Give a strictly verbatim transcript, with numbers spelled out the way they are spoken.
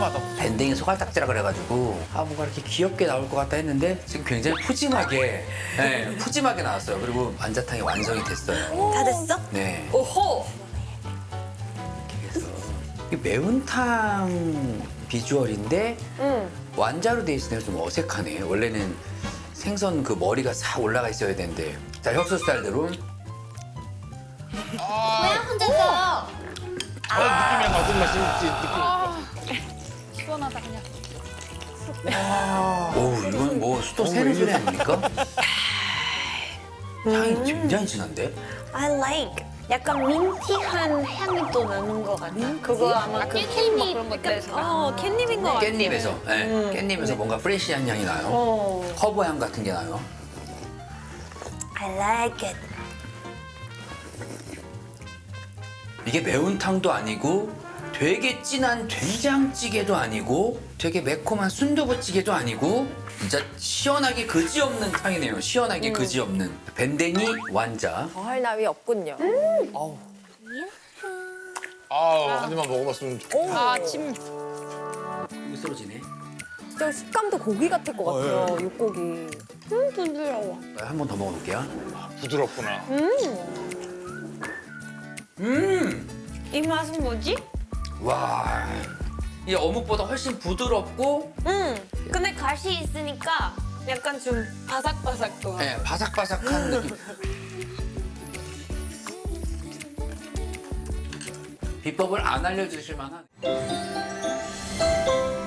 새까맣다고. 밴댕이 소갈딱지라 그래가지고 아 뭔가 이렇게 귀엽게 나올 것 같다 했는데 지금 굉장히 푸짐하게 네, 푸짐하게 나왔어요. 그리고 완자탕이 완성이 됐어요. 다 됐어? 네. 오호. 그래서 이 매운탕 비주얼인데 응. 완자로 돼 있으니까 좀 어색하네. 원래는 생선 그 머리가 싹 올라가 있어야 되는데. 자, 혁수 스타일대로. 왜 혼자서? 아, 느낌이 무슨 맛인지 느낌. 시원하다 그냥. 오, 이건 뭐 수도 새는 소리 아닙니까? 향이 굉장히 진한데? I like. 약간 민티한 향이 또 나는 것 같아. 그거 아마 그 깻잎 그런 것들에서. 어, 캣닙인 것 같아. 깻잎에서. 네, 음. 깻잎에서 뭔가 프레시한 향이 나요. 어. 허브 향 같은 게 나요. I like it. 이게 매운탕도 아니고 되게 진한 된장찌개도 아니고 되게 매콤한 순두부찌개도 아니고 진짜 시원하게 그지없는 탕이네요. 시원하게 그지없는 밴댕이 완자. 더할 나위 없군요. 아우, 한 입만 먹어봤으면 좋겠다. 아, 침. 이거 쓰러지네. 진짜 식감도 고기 같을 것 같아요, 육고기. 음, 부드러워. 한 번 더 먹어볼게요. 부드럽구나. 음! 이 맛은 뭐지? 와. 이 어묵보다 훨씬 부드럽고 음. 근데 가시 있으니까 약간 좀 바삭바삭도. 네, 바삭바삭한 느낌. 비법을 안 알려주실 만한.